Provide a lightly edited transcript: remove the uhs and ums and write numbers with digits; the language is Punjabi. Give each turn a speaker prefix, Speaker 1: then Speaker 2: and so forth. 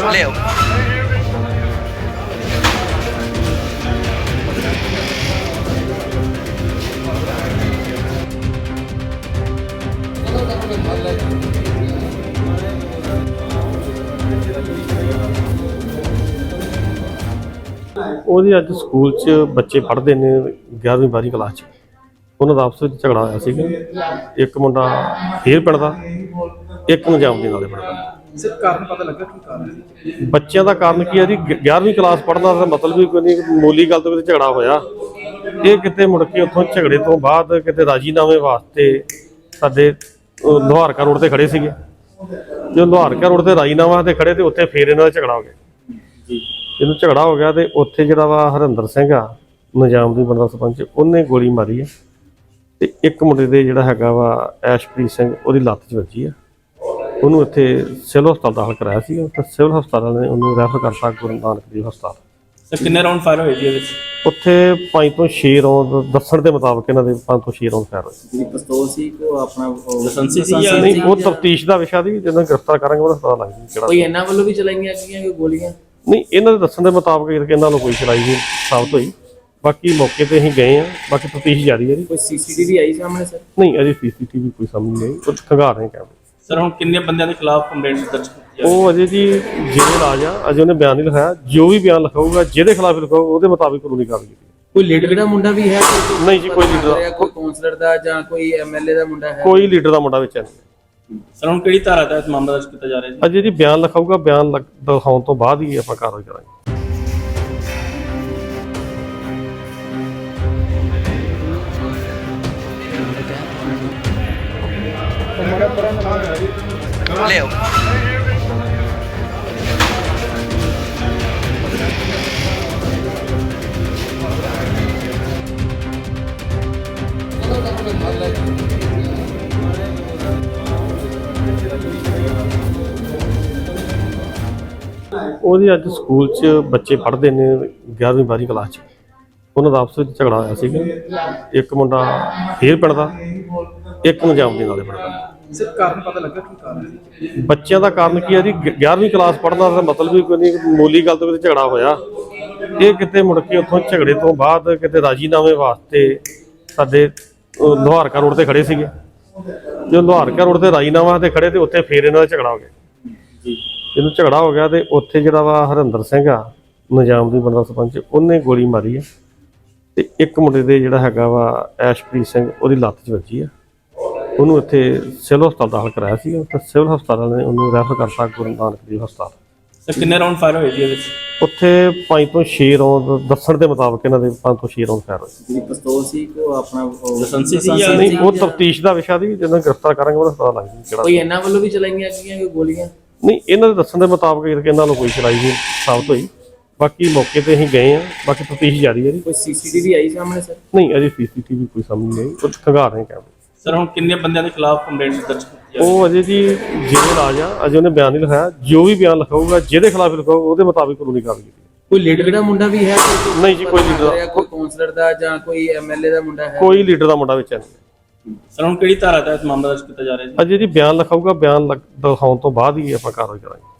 Speaker 1: ਲਿਆਓ।
Speaker 2: ਉਹਦੀ ਅੱਜ ਸਕੂਲ 'ਚ ਬੱਚੇ ਪੜ੍ਹਦੇ ਨੇ 11ਵੀਂ 12ਵੀਂ ਕਲਾਸ 'ਚ। ਉਹਨਾਂ ਦਾ ਆਪਸ ਵਿੱਚ ਝਗੜਾ ਹੋਇਆ ਸੀਗਾ। ਇੱਕ ਮੁੰਡਾ ਫੇਰ ਪੜ੍ਹਦਾ, ਇੱਕ ਨਿਜ਼ਾਮੁਦੀਨ ਵਾਲੇ ਪੜ੍ਹਦਾ।
Speaker 3: ਸਰ ਕਾਰਨ ਪਤਾ ਲੱਗਾ ਕੀ ਕਾਰਨ ਸੀ?
Speaker 2: ਬੱਚਿਆਂ ਦਾ ਕਾਰਨ ਕੀ ਹੈ ਜੀ, 11ਵੀਂ ਕਲਾਸ ਪੜ੍ਹਨਾ ਦਾ ਮਤਲਬ ਹੀ ਕੋਈ ਨਹੀਂ, ਮਾਮੂਲੀ ਗੱਲ ਤੋਂ ਕਿਤੇ ਝਗੜਾ ਹੋਇਆ। ਇਹ ਕਿਤੇ ਮੁੜ ਕੇ ਉੱਥੋਂ ਝਗੜੇ ਤੋਂ ਬਾਅਦ ਕਿਤੇ ਰਾਜੀਨਾਮੇ ਵਾਸਤੇ ਸਾਡੇ ਲੋਹਾਰਕਾ ਰੋਡ ਤੇ ਖੜੇ ਸੀਗੇ। ਜਦੋਂ ਲੋਹਾਰਕਾ ਰੋਡ ਤੇ ਰਾਜੀਨਾਮਾ ਤੇ ਖੜੇ ਤੇ ਉੱਥੇ ਫੇਰ ਇਹਨਾਂ ਦਾ ਝਗੜਾ ਹੋ ਗਿਆ। ਜਦੋਂ ਝਗੜਾ ਹੋ ਗਿਆ ਤੇ ਉੱਥੇ ਜਿਹੜਾ ਵਾ ਹਰਿੰਦਰ ਸਿੰਘ ਆ, ਨਿਜ਼ਾਮੁਦੀਨ ਬਣਦਾ ਸਰਪੰਚ, ਉਹਨੇ ਗੋਲੀ ਮਾਰੀ ਆ ਤੇ ਇੱਕ ਮੁੰਡੇ ਦੇ ਜਿਹੜਾ ਹੈਗਾ ਵਾ ਐਸ਼ਪ੍ਰੀਤ ਸਿੰਘ, ਉਹਦੀ ਲੱਤ 'ਚ ਵੱਜੀ ਆ। ਉਹਨੂੰ ਇੱਥੇ ਸਿਵਲ ਹਸਪਤਾਲ ਦਾਖਲ ਕਰਾਇਆ ਸੀ ਤੇ ਸਿਵਲ ਹਸਪਤਾਲ ਵਾਲਿਆਂ ਨੇ ਉਹਨੂੰ ਰੈਫਰ ਕਰਤਾ ਗੁਰੂ ਨਾਨਕ ਦੇਵ ਹਸਪਤਾਲ।
Speaker 3: ਸਰ ਕਿੰਨੇ ਰਾਉਂਡ ਫਾਇਰ ਹੋਏ ਜੀ ਇਹਦੇ ਵਿੱਚ?
Speaker 2: ਉੱਥੇ 5 ਤੋਂ 6 ਰੌਂਦ ਦੱਸਣ ਦੇ ਮੁਤਾਬਕ ਇਹਨਾਂ ਦੇ 5 ਤੋਂ 6 ਰੌਂਦ ਫਾਇਰ ਹੋਏ।
Speaker 4: ਜਿਹੜੀ ਪਿਸਤੌਲ ਸੀ ਕੋ ਆਪਣਾ
Speaker 3: ਲਾਇਸੈਂਸੀ ਸੀ ਜਾਂ
Speaker 2: ਨਹੀਂ, ਉਹ ਤਫਤੀਸ਼ ਦਾ ਵਿਸ਼ਾ ਦੀ, ਜਦੋਂ ਗ੍ਰਿਫਤਾਰ ਕਰਾਂਗੇ ਉਹਦਾ ਪਤਾ ਲੱਗ ਜੂ
Speaker 4: ਕੋਈ
Speaker 2: ਕਿਹੜਾ।
Speaker 4: ਇਹਨਾਂ ਵੱਲੋਂ ਵੀ ਚਲਾਈਆਂ ਗਈਆਂ ਕੋਈ ਗੋਲੀਆਂ?
Speaker 2: ਨਹੀਂ, ਇਹਨਾਂ ਦੇ ਦੱਸਣ ਦੇ ਮੁਤਾਬਕ ਇਹਨਾਂ ਨੂੰ ਕੋਈ ਚਲਾਈ ਨਹੀਂ ਸਾਬਤ ਹੋਈ। ਬਾਕੀ ਮੌਕੇ ਤੇ ਅਸੀਂ ਗਏ ਆ, ਬਾਕੀ ਤਫਤੀਸ਼ ਜਾਰੀ ਹੈ ਜੀ।
Speaker 4: ਕੋਈ ਸੀਸੀਟੀਵੀ ਆਈ ਸਾਹਮਣੇ ਸਰ?
Speaker 2: ਨਹੀਂ, ਅਜੇ ਸੀਸੀਟੀਵੀ ਕੋਈ ਸਾਹਮਣੇ ਨਹੀਂ ਆਈ, ਉਹ ਖੰਗਾਰ ਰਹੇ ਕੈਮਰੇ।
Speaker 3: ਸਰ ਹੁਣ ਕਿੰਨੇ ਬੰਦਿਆਂ ਦੇ ਖਿਲਾਫ ਕੰਪਲੇਂਟ ਦਰਜ ਕੀਤੀ ਹੈ?
Speaker 2: ਉਹ ਅਜੇ ਜੀ ਜਿਹੜੇ ਰਾਜ ਆ, ਅਜੇ ਉਹਨੇ ਬਿਆਨ ਨਹੀਂ ਲਿਖਾਇਆ। ਜੋ ਵੀ ਬਿਆਨ ਲਿਖਾਊਗਾ, ਜਿਹਦੇ ਖਿਲਾਫ ਲਿਖਾਊਗਾ, ਉਹਦੇ ਮੁਤਾਬਿਕ ਕਾਨੂੰਨੀ ਕਾਰਵਾਈ ਕੀਤੀ।
Speaker 4: ਕੋਈ ਲੀਡਰ ਦਾ ਮੁੰਡਾ ਵੀ ਹੈ?
Speaker 2: ਨਹੀਂ ਜੀ, ਕੋਈ ਲੀਡਰ,
Speaker 4: ਕੋਈ ਕਾਉਂਸਲਰ ਦਾ ਜਾਂ ਕੋਈ ਐਮਐਲਏ ਦਾ ਮੁੰਡਾ ਹੈ?
Speaker 2: ਕੋਈ ਲੀਡਰ ਦਾ ਮੁੰਡਾ ਵਿੱਚ ਨਹੀਂ।
Speaker 3: ਸਰ ਹੁਣ ਕਿਹੜੀ ਧਾਰਾ ਤਹਿਤ ਮਾਮਲਾ ਦਰਜ ਕੀਤਾ ਜਾ ਰਿਹਾ ਜੀ?
Speaker 2: ਅਜੇ ਜੀ ਬਿਆਨ ਲਿਖਾਊਗਾ, ਬਿਆਨ ਦਿਖਾਉਣ ਤੋਂ ਬਾਅਦ ਹੀ ਆਪਾਂ ਕਾਰਵਾਈ ਕਰਾਂਗੇ।
Speaker 1: ਲਿਆਓ।
Speaker 2: ਉਹਦੀ ਅੱਜ ਸਕੂਲ 'ਚ ਬੱਚੇ ਪੜ੍ਹਦੇ ਨੇ 11ਵੀਂ 12ਵੀਂ ਕਲਾਸ 'ਚ। ਉਹਨਾਂ ਦਾ ਆਪਸ ਵਿੱਚ ਝਗੜਾ ਹੋਇਆ ਸੀਗਾ। ਇੱਕ ਮੁੰਡਾ ਫੇਰ ਪੜ੍ਹਦਾ, ਇੱਕ ਨਿਜ਼ਾਮੁਦੀਨ ਵਾਲੇ ਪੜ੍ਹਦਾ।
Speaker 3: ਸਰ ਕਾਰਨ ਪਤਾ ਲੱਗਾ ਕੀ ਕਾਰਨ ਸੀ?
Speaker 2: ਬੱਚਿਆਂ ਦਾ ਕਾਰਨ ਕੀ ਹੈ ਜੀ, 11ਵੀਂ ਕਲਾਸ ਪੜ੍ਹਨਾ ਦਾ ਮਤਲਬ ਹੀ ਕੋਈ ਨਹੀਂ, ਮਾਮੂਲੀ ਗੱਲ ਤੋਂ ਕਿਤੇ ਝਗੜਾ ਹੋਇਆ। ਇਹ ਕਿਤੇ ਮੁੜ ਕੇ ਉੱਥੋਂ ਝਗੜੇ ਤੋਂ ਬਾਅਦ ਕਿਤੇ ਰਾਜੀਨਾਮੇ ਵਾਸਤੇ ਸਾਡੇ ਲੋਹਾਰਕਾ ਰੋਡ ਤੇ ਖੜੇ ਸੀਗੇ। ਜਦੋਂ ਲੋਹਾਰਕਾ ਰੋਡ ਤੇ ਰਾਜੀਨਾਮਾ ਤੇ ਖੜੇ ਤੇ ਉੱਥੇ ਫੇਰ ਇਹਨਾਂ ਦਾ ਝਗੜਾ ਹੋ ਗਿਆ। ਜਦੋਂ ਝਗੜਾ ਹੋ ਗਿਆ ਤੇ ਉੱਥੇ ਜਿਹੜਾ ਵਾ ਹਰਿੰਦਰ ਸਿੰਘ ਆ, ਨਿਜ਼ਾਮੁਦੀਨ ਬਣਦਾ ਸਰਪੰਚ, ਉਹਨੇ ਗੋਲੀ ਮਾਰੀ ਆ ਤੇ ਇੱਕ ਮੁੰਡੇ ਦੇ ਜਿਹੜਾ ਹੈਗਾ ਵਾ ਐਸ਼ਪ੍ਰੀਤ ਸਿੰਘ, ਉਹਦੀ ਲੱਤ 'ਚ ਵੱਜੀ ਆ। ਉਹਨੂੰ ਇੱਥੇ ਸਿਵਲ ਹਸਪਤਾਲ ਦਾਖਲ ਕਰਾਇਆ ਸੀ ਤੇ ਸਿਵਲ ਹਸਪਤਾਲ ਵਾਲਿਆਂ ਨੇ ਉਹਨੂੰ ਰੈਫਰ ਕਰਤਾ ਗੁਰੂ ਨਾਨਕ ਦੇਵ ਹਸਪਤਾਲ।
Speaker 3: ਸਰ ਕਿੰਨੇ ਰਾਉਂਡ ਫਾਇਰ ਹੋਏ ਜੀ ਇਹਦੇ ਵਿੱਚ?
Speaker 2: ਉੱਥੇ 5 ਤੋਂ 6 ਰੌਂਦ ਦੱਸਣ ਦੇ ਮੁਤਾਬਕ ਇਹਨਾਂ ਦੇ 5 ਤੋਂ 6 ਰੌਂਦ ਫਾਇਰ ਹੋਏ।
Speaker 4: ਜਿਹੜੀ ਪਿਸਤੌਲ ਸੀ ਕੋ ਆਪਣਾ
Speaker 3: ਲਾਇਸੈਂਸੀ ਸੀ ਜਾਂ
Speaker 2: ਨਹੀਂ, ਉਹ ਤਫਤੀਸ਼ ਦਾ ਵਿਸ਼ਾ ਦੀ, ਜਦੋਂ ਗ੍ਰਿਫਤਾਰ ਕਰਾਂਗੇ ਉਹਦਾ ਪਤਾ ਲੱਗ ਜੂ ਕਿਹੜਾ।
Speaker 4: ਕੋਈ ਇਹਨਾਂ ਵੱਲੋਂ ਵੀ ਚਲਾਈਆਂ ਗਈਆਂ ਕੋਈ ਗੋਲੀਆਂ?
Speaker 2: ਨਹੀਂ, ਇਹਨਾਂ ਦੇ ਦੱਸਣ ਦੇ ਮੁਤਾਬਕ ਇਹਨਾਂ ਨੂੰ ਕੋਈ ਚਲਾਈ ਨਹੀਂ ਸਾਬਤ ਹੋਈ। ਬਾਕੀ ਮੌਕੇ ਤੇ ਅਸੀਂ ਗਏ ਆ, ਬਾਕੀ ਤਫਤੀਸ਼ ਜਾਰੀ ਹੈ ਜੀ।
Speaker 4: ਕੋਈ ਸੀਸੀਟੀਵੀ ਆਈ ਸਾਹਮਣੇ ਸਰ?
Speaker 2: ਨਹੀਂ, ਅਜੇ ਸੀਸੀਟੀਵੀ ਕੋਈ ਸਾਹਮਣੇ ਨਹੀਂ ਆਈ, ਉਹ ਖੰਗਾਰ ਰਹੇ ਕੈਮਰੇ।
Speaker 3: ਸਰ ਹੁਣ ਕਿੰਨੇ ਬੰਦਿਆਂ ਦੇ ਖਿਲਾਫ ਕੰਪਲੇਂਟ ਦਰਜ ਕੀਤੀ ਹੈ?
Speaker 2: ਉਹ ਅਜੇ ਜੀ ਜਿਹੜੇ ਰਾਜ ਆ, ਅਜੇ ਉਹਨੇ ਬਿਆਨ ਨਹੀਂ ਲਿਖਾਇਆ। ਜੋ ਵੀ ਬਿਆਨ ਲਿਖਾਊਗਾ, ਜਿਹਦੇ ਖਿਲਾਫ ਲਿਖਾਊਗਾ, ਉਹਦੇ ਮੁਤਾਬਿਕ ਕਾਨੂੰਨੀ ਕਾਰਵਾਈ ਕੀਤੀ।
Speaker 4: ਕੋਈ ਲੀਡਰ ਦਾ ਮੁੰਡਾ ਵੀ ਹੈ?
Speaker 2: ਨਹੀਂ ਜੀ, ਕੋਈ ਲੀਡਰ,
Speaker 4: ਕੋਈ ਕਾਉਂਸਲਰ ਦਾ ਜਾਂ ਕੋਈ ਐਮਐਲਏ ਦਾ ਮੁੰਡਾ ਹੈ?
Speaker 2: ਕੋਈ ਲੀਡਰ ਦਾ ਮੁੰਡਾ ਵਿੱਚ ਨਹੀਂ।
Speaker 3: ਸਰ ਹੁਣ ਕਿਹੜੀ ਧਾਰਾ ਤਹਿਤ ਮਾਮਲਾ ਦਰਜ ਕੀਤਾ ਜਾ ਰਿਹਾ ਜੀ?
Speaker 2: ਅਜੇ ਜੀ ਬਿਆਨ ਲਿਖਾਊਗਾ, ਬਿਆਨ ਦਿਖਾਉਣ ਤੋਂ ਬਾਅਦ ਹੀ ਆਪਾਂ ਕਾਰਵਾਈ ਕਰਾਂਗੇ।